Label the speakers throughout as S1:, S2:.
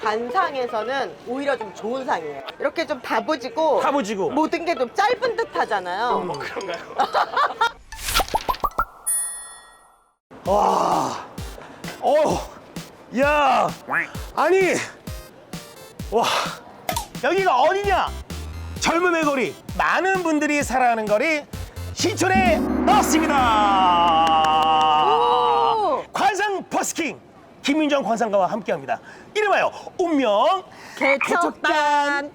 S1: 관상에서는 오히려 좀 좋은 상이에요. 이렇게 좀 다부지고 모든 게 좀 짧은 듯 하잖아요.
S2: 그런가요?
S3: 와, 야, 아니, 와, 여기가 어디냐? 젊음의 거리, 많은 분들이 살아가는 거리, 신촌에 나왔습니다.
S1: 오!
S3: 관상 버스킹 김민정 관상가와 함께합니다. 이름하여 운명
S1: 개척단.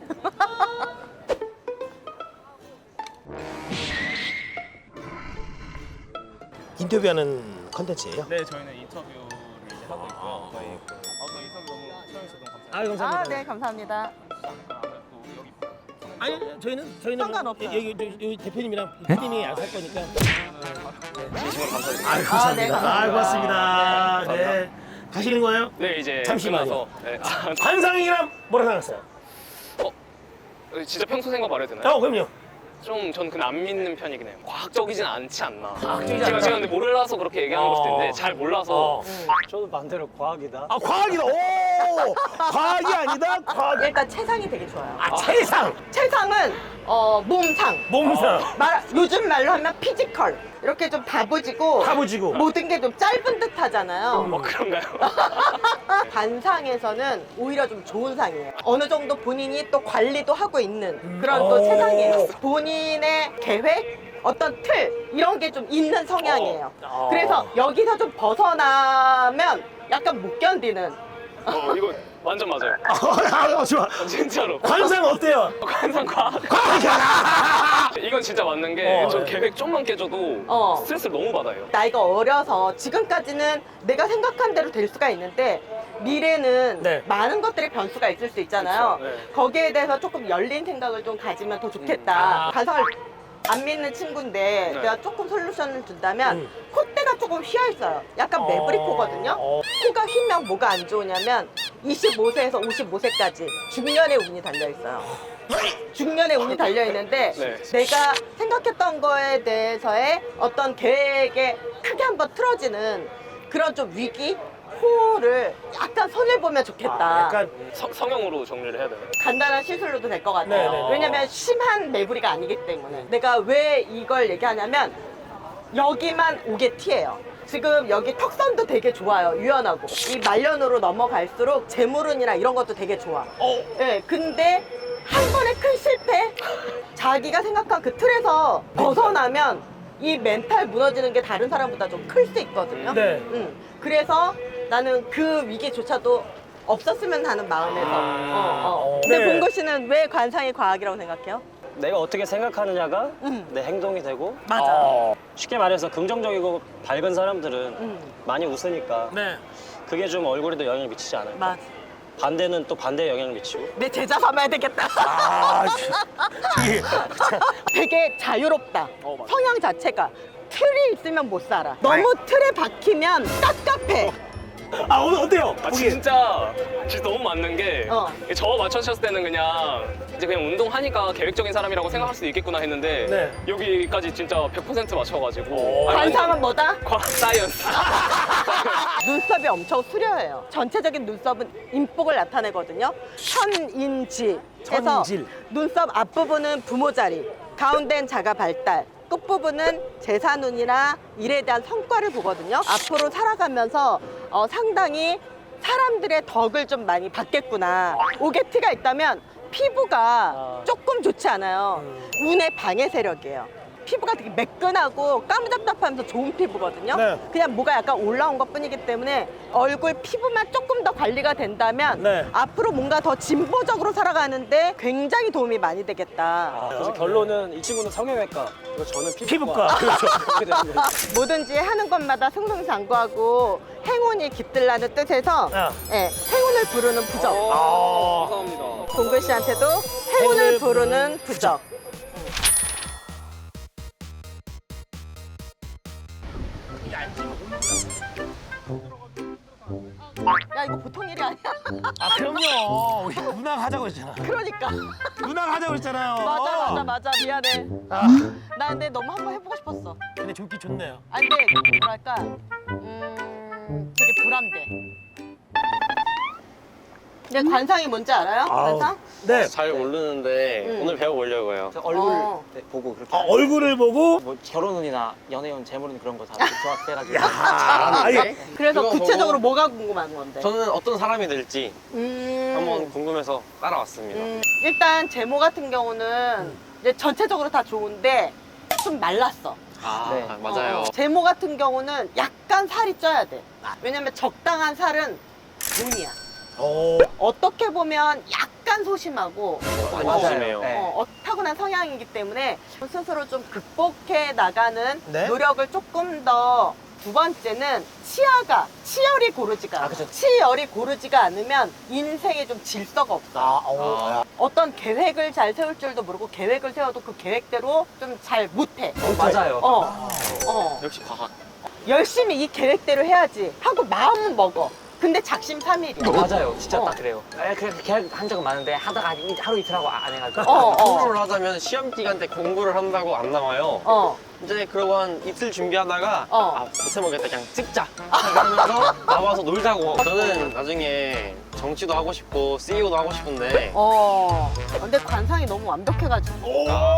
S3: 인터뷰하는 컨텐츠예요.
S2: 네, 저희는 인터뷰를 이제 하고 있고요. 저희 아까 인터뷰 너무 시청해주셔서 너무 감사합니다.
S3: 아유, 감사합니다.
S1: 아, 네, 감사합니다.
S2: 아무래도 여기
S3: 아니 저희는
S1: 상관없어요.
S3: 여기 대표님이랑 PD님이 안 살 거니까.
S2: 진심으로 감사드립니다.
S3: 아유, 감사합니다.
S1: 네, 감사합니다.
S3: 아유, 고맙습니다.
S2: 네,
S3: 네. 가시는 거예요?
S2: 네, 이제
S3: 잠시만요.
S2: 끝나서 네.
S3: 관상이란 뭐라 생각하세요?
S2: 진짜 평소 생각 말해도 되나요?
S3: 그럼요.
S2: 좀 저는 그냥 안 믿는 편이긴 해요. 과학적이진 않지 않나.
S3: 과학적이지
S2: 제가
S3: 않다.
S2: 근데 몰라서 그렇게 얘기하는 걸 수도 있는데 잘 몰라서
S4: 저도 반대로 과학이다.
S3: 아, 과학이다. 오! 과학이 아니다. 과학.
S1: 일단 체상이 되게 좋아요.
S3: 아, 체상.
S1: 체상은 몸상.
S3: 몸상.
S1: 요즘 말로 하면 피지컬. 이렇게 좀 다부지고 모든 게 좀 짧은 듯 하잖아요.
S2: 그런가요?
S1: 관상에서는 오히려 좀 좋은 상이에요. 어느 정도 본인이 또 관리도 하고 있는 그런 또 체상이에요. 본인의 계획, 어떤 틀 이런 게 좀 있는 성향이에요. 그래서 여기서 좀 벗어나면 약간 못 견디는.
S2: 이거 완전 맞아요.
S3: 좋아.
S2: 진짜로.
S3: 관상 어때요?
S2: 관상 과학. 이건 진짜 맞는 게 저 계획 좀만 깨져도 스트레스를 너무 받아요.
S1: 나이가 어려서 지금까지는 내가 생각한 대로 될 수가 있는데 미래는
S3: 네.
S1: 많은 것들의 변수가 있을 수 있잖아요.
S2: 그쵸, 네.
S1: 거기에 대해서 조금 열린 생각을 좀 가지면 더 좋겠다. 관상을 안 믿는 친구인데
S2: 네.
S1: 내가 조금 솔루션을 준다면 콧대가 조금 휘어 있어요. 약간 매부리 코거든요. 코가 휘면 뭐가 안 좋으냐면 25세에서 55세까지 중년의 운이 달려 있어요. 중년의 운이 달려 있는데
S2: 네.
S1: 내가 생각했던 거에 대해서의 어떤 계획에 크게 한번 틀어지는 그런 좀 위기, 호를 약간 손을 보면 좋겠다.
S3: 약간
S2: 성형으로 정리를 해야 되나요?
S1: 간단한 시술로도 될 것 같아요.
S3: 네네.
S1: 왜냐면 심한 매부리가 아니기 때문에. 내가 왜 이걸 얘기하냐면 여기만 오게 티예요. 지금 여기 턱선도 되게 좋아요. 유연하고. 이 말년으로 넘어갈수록 재물운이나 이런 것도 되게 좋아. 네, 근데 한 번의 큰 실패? 자기가 생각한 그 틀에서 벗어나면 이 멘탈 무너지는 게 다른 사람보다 좀 클 수 있거든요.
S3: 네.
S1: 그래서 나는 그 위기조차도 없었으면 하는 마음에서. 근데
S3: 네.
S1: 봉구 씨는 왜 관상이 과학이라고 생각해요?
S4: 내가 어떻게 생각하느냐가 내 행동이 되고
S1: 맞아.
S4: 쉽게 말해서 긍정적이고 밝은 사람들은 많이 웃으니까
S3: 네.
S4: 그게 좀 얼굴에도 영향을 미치지 않을까.
S1: 맞아.
S4: 반대는 또 반대의 영향을 미치고.
S1: 내 제자 삼아야 되겠다.
S3: 이게
S1: 되게 자유롭다.
S2: 맞아.
S1: 성향 자체가. 틀이 있으면 못 살아. 너무 틀에 박히면 깝깝해.
S3: 오늘 어때요?
S2: 진짜 너무 맞는 게 저 맞춰주셨을 때는 그냥 운동하니까 계획적인 사람이라고 생각할 수도 있겠구나 했는데
S3: 네.
S2: 여기까지 진짜 100% 맞춰가지고
S1: 관상은 뭐다?
S2: 과학 사이언스.
S1: 눈썹이 엄청 수려해요. 전체적인 눈썹은 인복을 나타내거든요. 현인지 해서
S3: 천인질.
S1: 눈썹 앞부분은 부모 자리, 가운데는 자가 발달, 끝부분은 재산운이나 일에 대한 성과를 보거든요. 앞으로 살아가면서 상당히 사람들의 덕을 좀 많이 받겠구나. 오게티가 있다면 피부가 조금 좋지 않아요. 운의 방해 세력이에요. 피부가 되게 매끈하고 까무잡잡하면서 좋은 피부거든요.
S3: 네.
S1: 그냥 뭐가 약간 올라온 것 뿐이기 때문에 얼굴 피부만 조금 더 관리가 된다면
S3: 네.
S1: 앞으로 뭔가 더 진보적으로 살아가는데 굉장히 도움이 많이 되겠다.
S4: 그래서 결론은 이 친구는 성형외과, 그리고 저는
S3: 피부과.
S4: 피부과.
S3: 그렇죠.
S4: 그렇게 되는 거예요.
S1: 뭐든지 하는 것마다 승승장구하고 행운이 깃들라는 뜻에서 예, 행운을 부르는 부적.
S2: 감사합니다.
S1: 공글 씨한테도 행운을 부르는 부적. 야 이거 보통 일이 아니야.
S3: 그럼요. 우리 누나가 하자고 했잖아.
S1: 그러니까.
S3: 누나가 하자고 했잖아요.
S1: 맞아 미안해.
S3: 아,
S1: 나 근데 너무 한번 해보고 싶었어.
S3: 근데 좋긴 좋네요.
S1: 아니 근데 뭐랄까 되게 보람돼. 근데 관상이 뭔지 알아요? 관상?
S3: 네.
S5: 잘 모르는데 오늘 배워보려고요.
S6: 얼굴
S1: 어.
S6: 보고 그렇게
S3: 얼굴을 보고.
S6: 뭐 결혼운이나 연애운, 재물운 그런 거 다 조합해가지고
S3: 야, 아니,
S1: 그래서
S5: 그거
S1: 구체적으로
S5: 보고-
S1: 뭐가 궁금한 건데?
S5: 저는 어떤 사람이 될지 한번 궁금해서 따라왔습니다.
S1: 일단 제모 같은 경우는 이제 전체적으로 다 좋은데 좀 말랐어.
S6: 네.
S5: 맞아요.
S1: 제모 같은 경우는 약간 살이 쪄야 돼. 왜냐면 적당한 살은 돈이야. 어떻게 보면 약간 소심하고
S5: 많이
S6: 맞아요.
S5: 조심해요.
S6: 네.
S1: 타고난 성향이기 때문에 스스로 좀 극복해 나가는
S3: 네.
S1: 노력을 조금 더. 두 번째는 치열이 고르지가 않아.
S6: 그쵸.
S1: 치열이 고르지가 않으면 인생에 좀 질서가 없어. 어떤 계획을 잘 세울 줄도 모르고 계획을 세워도 그 계획대로 좀 잘 못해.
S6: 맞아요.
S5: 역시 과학.
S1: 열심히 이 계획대로 해야지 하고 마음은 먹어. 근데 작심삼일이야.
S6: 맞아요. 진짜
S1: 어.
S6: 딱 그래요. 그냥 계획 한 적은 많은데 하다가 하루 이틀 하고 안 해가지고.
S5: 공부를 하자면 시험 기간 때 공부를 한다고 안 나와요. 이제 그러고 한 이틀 준비하다가 못해먹겠다 그냥 찍자 하면서 나와서 놀자고. 저는 나중에 정치도 하고 싶고 CEO도 하고 싶은데
S1: 근데 관상이 너무 완벽해가지고.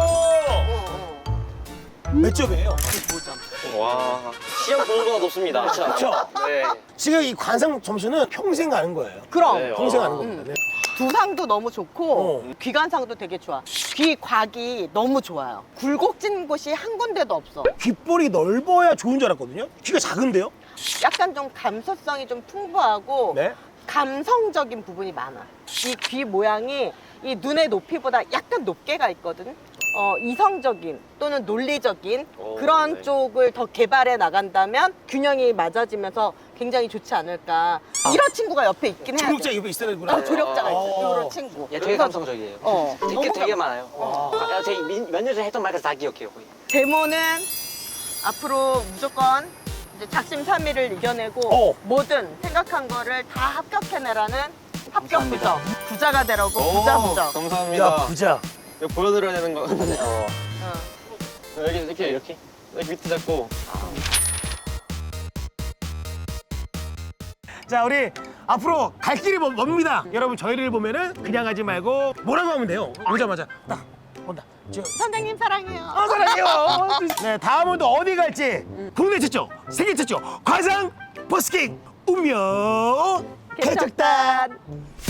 S3: 몇 점이에요?
S5: 와 시험 본보다 높습니다.
S3: 그렇죠.
S5: 네.
S3: 지금 이 관상 점수는 평생 가는 거예요.
S1: 그럼
S5: 네,
S3: 평생 가는 겁니다. 네.
S1: 두상도 너무 좋고 귀관상도 되게 좋아. 귀곽이 너무 좋아요. 굴곡진 곳이 한 군데도 없어.
S3: 귓볼이 넓어야 좋은 줄 알았거든요. 귀가 작은데요?
S1: 약간 좀 감수성이 좀 풍부하고
S3: 네.
S1: 감성적인 부분이 많아. 이 귀 모양이 이 눈의 높이보다 약간 높게 가 있거든. 이성적인 또는 논리적인 그런
S5: 네.
S1: 쪽을 더 개발해 나간다면 균형이 맞아지면서 굉장히 좋지 않을까. 이런 친구가 옆에 있긴 해야
S3: 조력자
S1: 돼.
S3: 옆에 있어야 되구나.
S1: 조력자가 있어. 이런 친구.
S6: 얘 되게 감성적이에요. 되게 많아요. 제가 몇 년 전에 했던 말까지 다 기억해요. 거의.
S1: 제모는 앞으로 무조건 이제 작심삼일을 이겨내고 뭐든 생각한 거를 다 합격해내라는 합격 부자. 부자가 되라고 부자.
S5: 감사합니다.
S3: 야, 부자.
S5: 이거 보여드려야 되는 거. 여기 이렇게 밑에 잡고.
S3: 자, 우리 앞으로 갈 길이 멉니다. 여러분, 저희를 보면은 그냥 하지 말고 뭐라고 하면 돼요. 오자마자 딱 온다.
S1: 선생님 사랑해요.
S3: 사랑해요. 네, 다음은 또 어디 갈지 국내 최초, 세계 최초 관상 버스킹 운명 개척단.